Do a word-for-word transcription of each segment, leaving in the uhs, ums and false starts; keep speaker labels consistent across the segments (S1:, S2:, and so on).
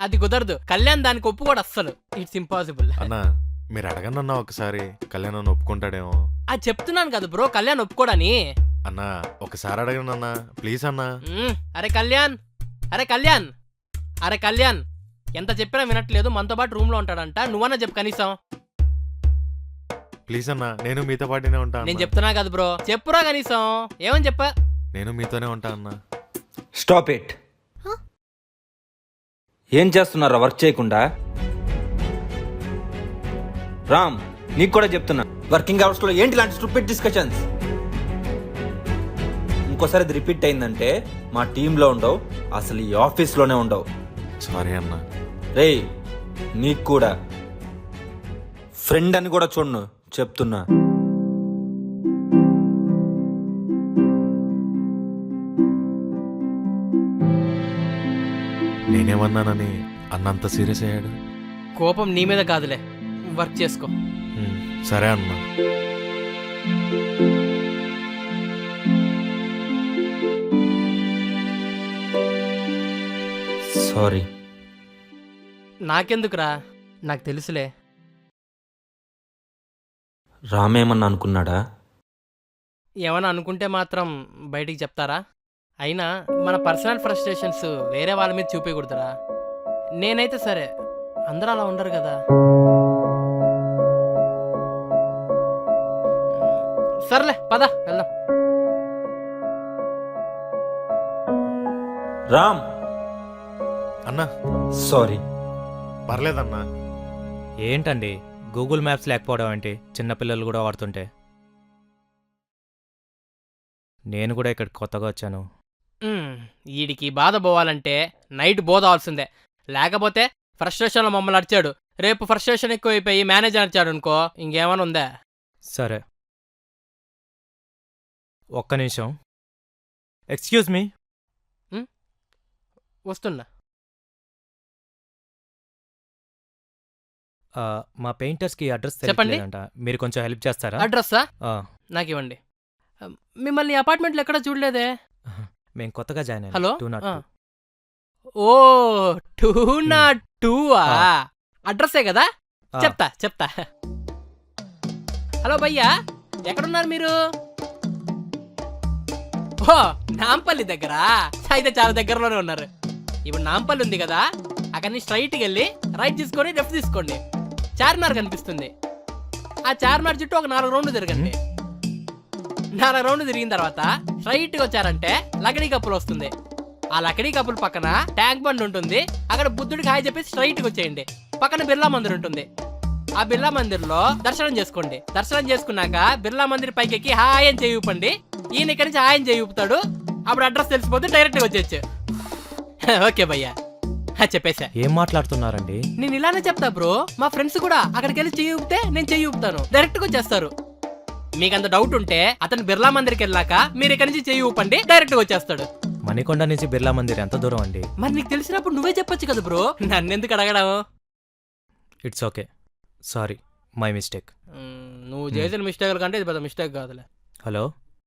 S1: అది కుదరదు. కళ్యాణ్ దానికి ఒప్పుకోడు అస్సలు. It's impossible.
S2: అన్నా మీరు అడగండి అన్నా ఒకసారి, కళ్యాణ్ అన్న ఒప్పుకుంటాడేమో.
S1: అది చెప్తున్నాను కదా బ్రో, కళ్యాణ్ ఒప్పుకోడని.
S2: అన్నా ఒకసారి అడగండి అన్నా ప్లీజ్ అన్నా.
S1: మ్మ్. అరే కళ్యాణ్, అరే కళ్యాణ్, అరే కళ్యాణ్, ఎంత చెప్పినా వినట్లేదు. మనతో పాటు రూమ్ లో ఉంటాడంట. నువ్వన్నా చెప్పు కనీసం.
S2: ప్లీజ్ అన్నా, నేను మీతో పాటునే ఉంటా.
S1: నేను చెప్తున్నా కదా బ్రో, చెప్పురా కనీసం. ఏమని చెప్పా?
S2: నేను మీతోనే ఉంటా అన్నా.
S3: Stop it. ఏం చేస్తున్నారా వర్క్ చేయకుండా? రామ్, నీకు కూడా చెప్తున్నా, వర్కింగ్ అవర్స్ లో ఏంటి ఇలాంటి స్టూపిడ్ డిస్కషన్స్? ఇంకోసారి ఇది రిపీట్ అయిందంటే మా టీంలో ఉండవు, అసలు ఈ ఆఫీస్లోనే ఉండవు.
S2: సారీ అన్నా.
S3: రేయ్, నీకు కూడా ఫ్రెండ్ అని కూడా చూడను చెప్తున్నా.
S2: నేనేమన్నానని అన్నంత సీరియస్ అయ్యాడు?
S1: కోపం నీ మీద కాదులే, వర్క్ చేసుకో.
S2: ఉమ్, సరే అన్నా.
S3: సారీ.
S1: నాకెందుకురా, నాకు తెలుసులే.
S3: రామేమన్నా అనుకున్నాడా?
S1: ఏమన్నా అనుకుంటే మాత్రం బయటికి చెప్తారా? అయినా మన పర్సనల్ ఫ్రస్ట్రేషన్స్ వేరే వాళ్ళ మీద చూపించకూడదురా. నేనైతే సరే, అందరూ అలా ఉండరు కదా. సర్లే పద వెళ్దాం.
S3: రామ్,
S2: అన్నా
S3: సారీ.
S2: పర్లేదన్నా.
S4: ఏంటండి గూగుల్ మ్యాప్స్ లేకపోవడం ఏంటి? చిన్నపిల్లలు కూడా వాడుతుంటే. నేను కూడా ఇక్కడ కొత్తగా వచ్చాను.
S1: మ్మ్. వీడికి బాధ పోవాలంటే నైట్ బోధవలసిందే. లేకపోతే ఫ్రస్ట్రేషన్లో మమ్మల్ని అడిచాడు, రేపు ఫ్రస్ట్రేషన్ ఎక్కువైపోయి మేనేజర్ అడిచాడు అనుకో, ఇంకేమైనా ఉందా?
S4: సరే ఒక్క నిమిషం. Excuse me.
S1: వస్తున్నా.
S4: ఆ, మా పెయింటర్స్కి అడ్రస్
S1: చెప్పండి.
S4: తెలియదంట, మీరు కొంచెం హెల్ప్ చేస్తారా?
S1: అడ్రస్సా?
S4: ఆ,
S1: నాకు ఇవ్వండి. మిమ్మల్ని అపార్ట్మెంట్లో ఎక్కడా చూడలేదే.
S4: మేము కొత్తగా జాయిన్ అయ్యాం.
S1: హలో
S4: టూ నాట్
S1: ఆ.
S4: టూ.
S1: ఓ టూ నాట్ టూవా?
S4: ఆ.
S1: అడ్రస్సే కదా,
S4: ఆ,
S1: చెప్తా చెప్తా. హలో భయ్యా, ఎక్కడున్నారు మీరు? ఓ నాంపల్లి దగ్గర. అయితే చాలా దగ్గరలోనే ఉన్నారు. ఇప్పుడు నాంపల్లి ఉంది కదా, అక్కడి నుంచి స్ట్రైట్కి వెళ్ళి రైట్ తీసుకొని లెఫ్ట్ తీసుకోండి. చార్మినార్ కనిపిస్తుంది. ఆ చార్మినార్ చుట్టూ ఒక నాలుగు రౌండ్లు తిరగండి. నాలుగు రౌండ్లు తిరిగిన తర్వాత స్ట్రైట్గా వచ్చారంటే లకడీ కప్పులు వస్తుంది. ఆ లకడీ కప్పుల పక్కన ట్యాంక్ బండ్ ఉంటుంది. అక్కడ బుద్ధుడికి హాయ్ చెప్పేసి స్ట్రైట్గా వచ్చేయండి. పక్కన బిర్లా మందిర్ ఉంటుంది. ఆ బిర్లా మందిర్లో దర్శనం చేసుకోండి. దర్శనం చేసుకున్నాక బిర్లా మందిర్ పైకి హాయ్ అని చేయూపండి. ఈయన ఇక్కడి నుంచి హాయ్ అని చేయూపుతాడు. అప్పుడు అడ్రస్ తెలిసిపోతే డైరెక్ట్గా వచ్చేయచ్చు. ఓకే భయ్యా, చెప్పేశా.
S4: ఏం మాట్లాడుతున్నారండి?
S1: నేను ఇలానే చెప్తా బ్రో. మా ఫ్రెండ్స్ కూడా అక్కడికి వెళ్ళి చెయ్యి ఊపితే నేను చెయ్యి ఊపుతాను, డైరెక్ట్ గా వచ్చేస్తారు. మీకు అంత డౌట్ ఉంటే అతను బిర్లా మందిర్కి వెళ్ళాక మీరు ఇక్కడి నుంచి చెయ్యి ఊపండి, డైరెక్ట్ గా వచ్చేస్తాడు.
S4: మణికొండ నుంచి బిర్లా మందిర్ ఎంత దూరం అండి?
S1: మరి నీకు తెలిసినప్పుడు నువ్వే చెప్పొచ్చు కదా బ్రో, నన్ను ఎందుకు అడగడం?
S4: It's okay, sorry, my mistake.
S1: నువ్వు చేసిన మిస్టేక్ కంటే ఇది పెద్ద మిస్టేక్ కాదులే.
S4: హలో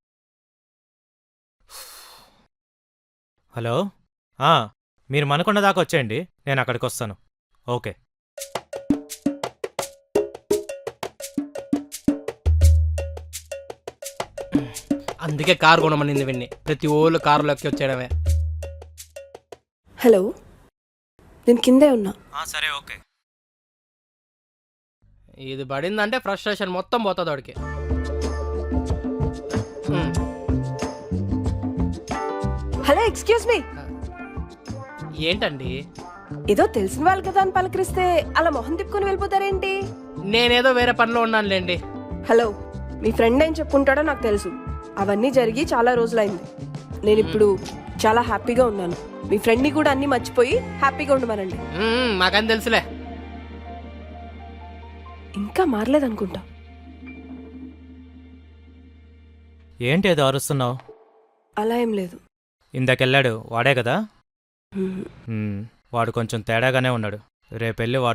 S4: హలో ఆ, మీరు మనకొండ దాకా వచ్చేయండి, నేను అక్కడికి వస్తాను. ఓకే.
S1: అందుకే కారు కొనమనింది విన్ని. ప్రతి ఓళ్ళు కారులోకి వచ్చేయడమే.
S5: హలో, నేను కిందే ఉన్నా.
S4: సరే ఓకే.
S1: ఇది పడిందంటే ఫ్రస్ట్రేషన్ మొత్తం పోతుంది వాడికి. మ్మ్.
S5: Hello, excuse me.
S1: ఏంటండి?
S5: ఏదో తెలిసిన వాళ్ళు కదా అని పలకరిస్తే అలా మొహం తిప్పుకొని వెళ్ళిపోతారేంటి?
S1: నేనేదో వేరే పనిలో ఉన్నానులేండి.
S5: హలో, మీ ఫ్రెండ్ ఏం చెప్పుకుంటాడో నాకు తెలుసు. అవన్నీ జరిగి చాలా రోజులైంది. నేను ఇప్పుడు చాలా హ్యాపీగా ఉన్నాను. మీ ఫ్రెండ్ని కూడా అన్ని మర్చిపోయి హ్యాపీగా ఉండమనండి.
S1: మ్మ్, మాకని తెలుసులే.
S5: ఇంకా మారలేదనుకుంటా.
S4: ఏంటి ఏదో అరుస్తున్నావు?
S5: అలా ఏం లేదు.
S4: ఇందాకెళ్ళాడు వాడే కదా?
S5: హ్మ్.
S4: మ్మ్, వాడు కొంచెం తేడాగానే ఉన్నాడు. రేపెళ్ళి వాడు